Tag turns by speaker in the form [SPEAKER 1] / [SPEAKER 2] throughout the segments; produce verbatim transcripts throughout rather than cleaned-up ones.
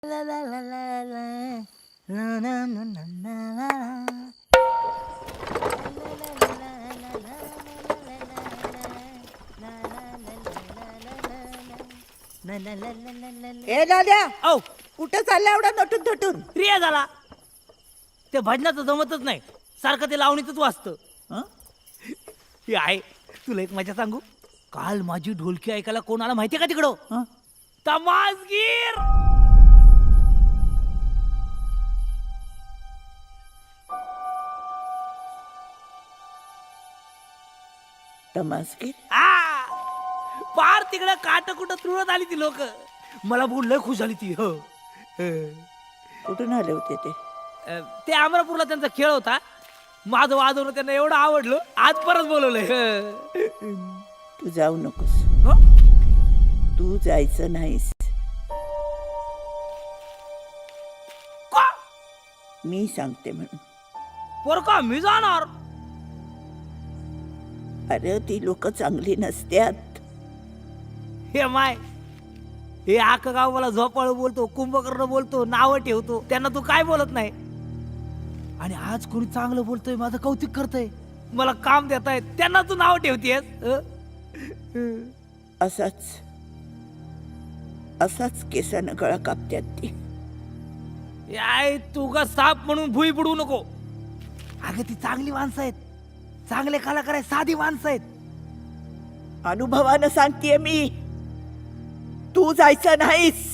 [SPEAKER 1] ए लाल्या,
[SPEAKER 2] औ
[SPEAKER 1] कुठं चालला एवढा नटून थटून?
[SPEAKER 2] रिया झाला. ते भजनाचं जमतच नाही, सारखं ते लावणीतच वाचतं.
[SPEAKER 1] हं?
[SPEAKER 2] हे आहे, तुला एक मजा सांगू. काल माझी ढोलकी ऐकायला कोण आला माहितीये का तिकडं?
[SPEAKER 1] हं?
[SPEAKER 2] तमासगीर.
[SPEAKER 1] तमासगीर?
[SPEAKER 2] आ पार तिकडं काट कुठं तुळत आली ती लोक. मला बघून लय खुश झाली ती. हो हं.
[SPEAKER 1] कुठून आले होते ते?
[SPEAKER 2] अ, ते अमरापूरला त्यांचा खेळ होता. माझं वाजवणं त्यांना एवढं आवडलं, आज परत बोलवलंय. हं.
[SPEAKER 1] तू जाऊ नकोस.
[SPEAKER 2] हं?
[SPEAKER 1] तू जायचं नाहीस.
[SPEAKER 2] का?
[SPEAKER 1] मी सांगते म्हणून.
[SPEAKER 2] पोर का मी जाणार?
[SPEAKER 1] अरे ती लोक चांगली नसत्यात.
[SPEAKER 2] हे माय, हे आख गाव मला झोपाळ बोलतो, कुंभकर्ण बोलतो, नावं ठेवतो. त्यांना तू काय बोलत नाही. आणि आज कोणी चांगलं बोलतोय, माझं कौतुक करतय, मला काम देताय, त्यांना तू नाव ठेवतेस.
[SPEAKER 1] असाच असाच केसानं गळा कापत्यात ती.
[SPEAKER 2] याय तू का साप म्हणून भुई बुडू नको. अगं ती चांगली माणसं आहेत, चांगले कलाकार आहेत, साधी माणसं आहेत.
[SPEAKER 1] अनुभवानं सांगतेय मी, तू जायचं नाहीस.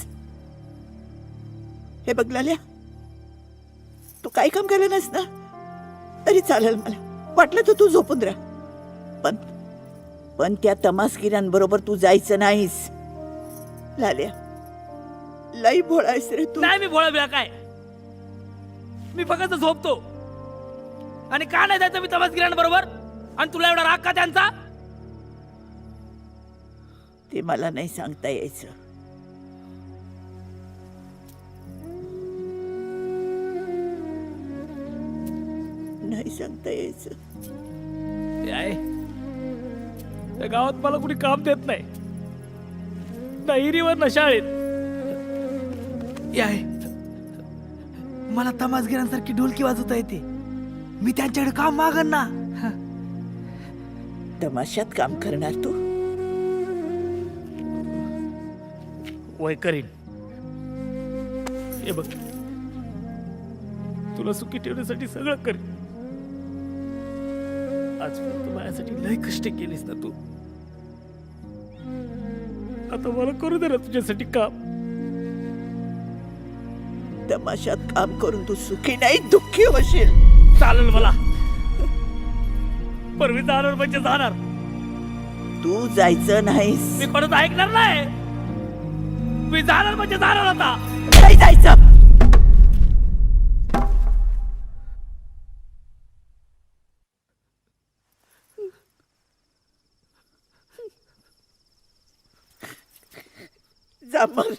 [SPEAKER 1] हे बघ लाल्या, तू काही काम केलं नाहीस ना तरी चालेल, मला वाटलं तर तू झोपून राहा, पण पण त्या तमासगिरांबरोबर तू जायचं नाहीस. लाल्या, लई भोळायस रे तू.
[SPEAKER 2] नाही मी भोळा बिळा काय, मी फक्त झोपतो. आणि का नाही जायचं मी तमासगिरांबरोबर? आणि तुला एवढा राग का त्यांचा?
[SPEAKER 1] ते मला नाही सांगता यायचं. नाही सांगता यायचं.
[SPEAKER 2] याय त्या गावात मला कुणी काम देत नाही, ना हिरीवर ना शाळेत. याय मला तमासगिरांसारखी ढोलकी वाजवता येते, मी त्यांच्याकडे काम मागन ना.
[SPEAKER 1] तमाशात काम करणार तू?
[SPEAKER 2] वय करीन. हे बघ, तुला सुखी ठेवण्यासाठी सगळं करीन. आजपर्यंत माझ्यासाठी लय कष्ट केलीस ना तू, आता मला करू दे ना तुझ्यासाठी काम.
[SPEAKER 1] तमाशात काम करून तू सुखी नाही, दुःखी होशील.
[SPEAKER 2] चालेल मला, पण मी जाणार म्हणजे जाणार.
[SPEAKER 1] तू जायचं नाहीस.
[SPEAKER 2] मी कोणाचं ऐकणार नाही. मी जाणार म्हणजे जाणार आता.
[SPEAKER 1] नाही जायचं. जा मर,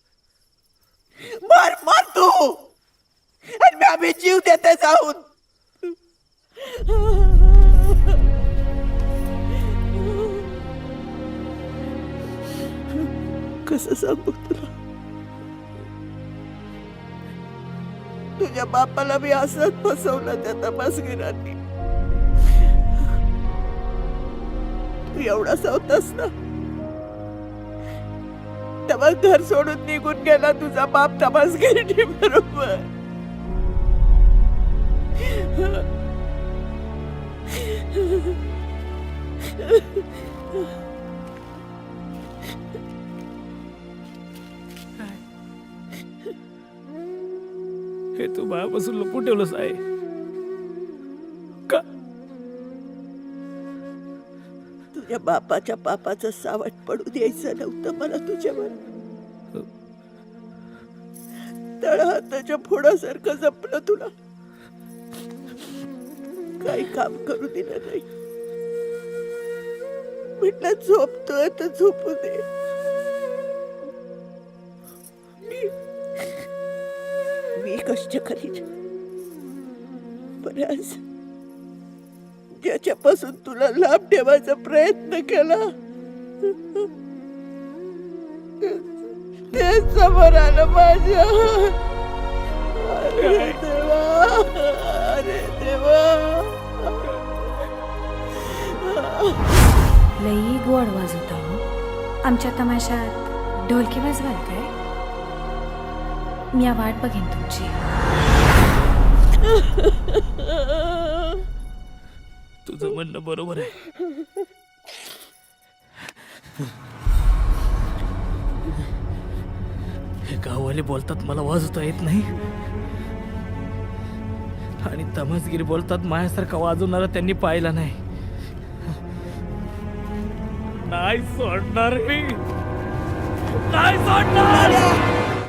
[SPEAKER 1] मार मार तू, आणि मी आम्ही जीव देते जाऊन. कसं सांगू तुला? तुझ्या बापाला मी असंच फसवलं त्या तमासगिरांनी. तू एवढासा होतास ना, तेव्हा घर सोडून निघून गेला तुझा बाप तमासगिरी बरोबर.
[SPEAKER 2] हे तू माझ्यापासून लपून ठेवलंस आहे का?
[SPEAKER 1] तुझ्या बापाच्या पापाचं सावट पडू द्यायचं नव्हतं मला तुझ्यावर. तळहाताच्या फोडासारखं जपलं तुला, काही काम करू दिलं नाही. म्हटलं झोपतोय तर झोपू दे. मी मी कष्ट करीन, पण आज ज्याच्यापासून तुला लांब ठेवायचा प्रयत्न केला, तेच समोर आलं माझ्या. अरे देवा, अरे देवा.
[SPEAKER 3] लई गोड वाजवता हो. आमच्या तमाशात ढोलकी वाजवाल काय? मी या वाट बघेन तुमची.
[SPEAKER 2] तुझं म्हणणं बरोबर आहे. हे गाववाले बोलतात मला वाजवता येत नाही, आणि तमासगीर बोलतात माझ्यासारखा वाजवणारा त्यांनी पाहिला नाही. नाही सोडणार मी, नाही सोडणार.